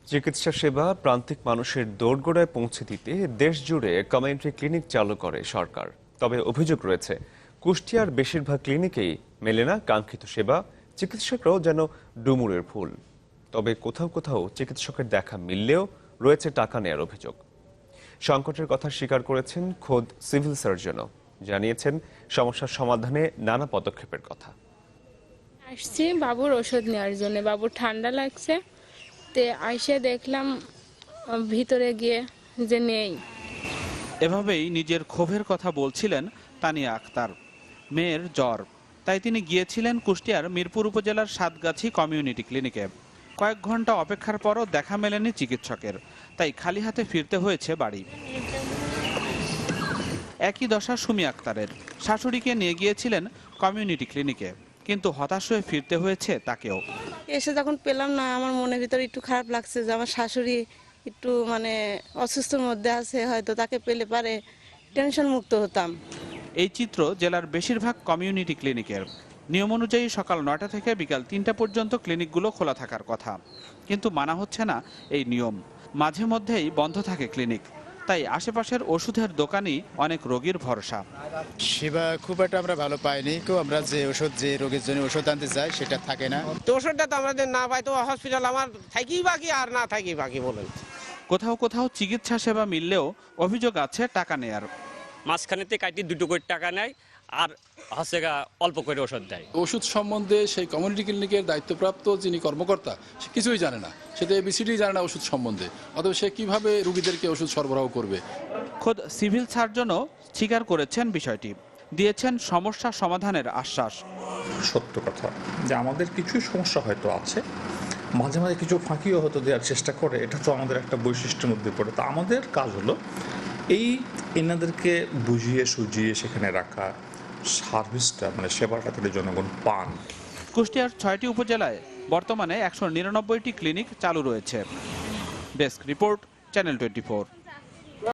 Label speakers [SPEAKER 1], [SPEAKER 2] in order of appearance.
[SPEAKER 1] চিকিৎসা সেবা প্রান্তিক মানুষের দোরগোড়ায় পৌঁছে দিতে দেশ জুড়ে কমিউনিটি ক্লিনিক চালু করে সরকার। তবে অভিযোগ রয়েছে, কুষ্টিয়ার বেশিরভাগ ক্লিনিকেই মেলে না কাঙ্ক্ষিত সেবা, চিকিৎসকরাও যেন ডুমুরের ফুল। তবে কোথাও কোথাও চিকিৎসকের দেখা মিললেও রয়েছে টাকা নেয়ার অভিযোগ। সংকটের কথা স্বীকার করেছেন খোদ সিভিল সার্জনও, জানিয়েছেন সমস্যার সমাধানে নানা পদক্ষেপের কথা।
[SPEAKER 2] আসছি বাবুর ওষুধ নেওয়ার জন্য, বাবুর ঠান্ডা লাগছে, তে আইসে দেখলাম ভিতরে গিয়ে যে নেই।
[SPEAKER 3] এভাবেই নিজের ক্ষোভের কথা বলছিলেন তানিয়া আক্তার। মেয়ের জ্বর, তাই তিনি গিয়েছিলেন কুষ্টিয়ার মিরপুর উপজেলার সাতগাছি কমিউনিটি ক্লিনিকে। কয়েক ঘন্টা অপেক্ষার পরও দেখা মেলেনি চিকিৎসকের, তাই খালি হাতে ফিরতে হয়েছে বাড়ি। একই দশা সুমি আক্তারের। শাশুড়িকে নিয়ে গিয়েছিলেন কমিউনিটি ক্লিনিকে, কিন্তু হতাশ হয়ে ফিরতে হয়েছে তাকেও।
[SPEAKER 4] এসে যখন পেলাম না, আমার মনের ভিতরে একটু খারাপ লাগছে যে আমার শাশুড়ি একটু অসুস্থর মধ্যে আছে, হয়তো তাকে পেলে পারে টেনশন মুক্ত হতাম।
[SPEAKER 3] এই চিত্র জেলার বেশিরভাগ কমিউনিটি ক্লিনিকের। নিয়ম অনুযায়ী সকাল 9টা থেকে বিকাল 3টা পর্যন্ত ক্লিনিকগুলো খোলা থাকার কথা, কিন্তু মানা হচ্ছে না এই নিয়ম। মাঝে মধ্যেই বন্ধ থাকে ক্লিনিক, তাই আশেপাশের ওষুধের দোকানই অনেক রোগীর ভরসা।
[SPEAKER 5] সেবা খুব একটা আমরা ভালো পাইনি। আমরা যে রোগীর জন্য ওষুধ আনতে যাই সেটা থাকে না।
[SPEAKER 6] তো ওষুধটা তো আমাদের না পাই, তো হসপিটাল আমার থাকি বাকি আর না থাকি বাকি বলেন।
[SPEAKER 3] কোথাও কোথাও চিকিৎসা সেবা মিললেও অভিযোগ আছে টাকা নেয়ার।
[SPEAKER 7] মাঝখানেতে কাটি 2 কোটি টাকা নেয় আর হচ্ছে অল্প করে ওষুধ দেয়।
[SPEAKER 8] ওষুধ সম্বন্ধে সেই কমিউনিটি ক্লিনিকের দায়িত্বপ্রাপ্ত যিনি কর্মকর্তা, সে কিছুই জানে না, সে তো এবিসিডি জানে না ওষুধ সম্বন্ধে, অথবা সে কিভাবে রোগীদেরকে ওষুধ সরবরাহ করবে।
[SPEAKER 3] খোদ সিভিল সার্জনও স্বীকার করেছেন বিষয়টি, দিয়েছেন সমস্যা সমাধানের আশ্বাস।
[SPEAKER 9] সত্য কথা যে আমাদের কিছু সমস্যা হয়তো আছে, মাঝে মাঝে কিছু ফাঁকিও হয়তো দেওয়ার চেষ্টা করে, এটা তো আমাদের একটা বৈশিষ্ট্যের মধ্যে পড়ে। তো আমাদের কাজ হলো এনাদেরকে বুঝিয়ে সুঝিয়ে সেখানে রাখা, সার্ভিসটা সেবাটা তাদের জনগণ পান।
[SPEAKER 3] কুষ্টিয়ার 6টি উপজেলায় বর্তমানে 199টি ক্লিনিক চালু রয়েছে। Desk report, channel 24।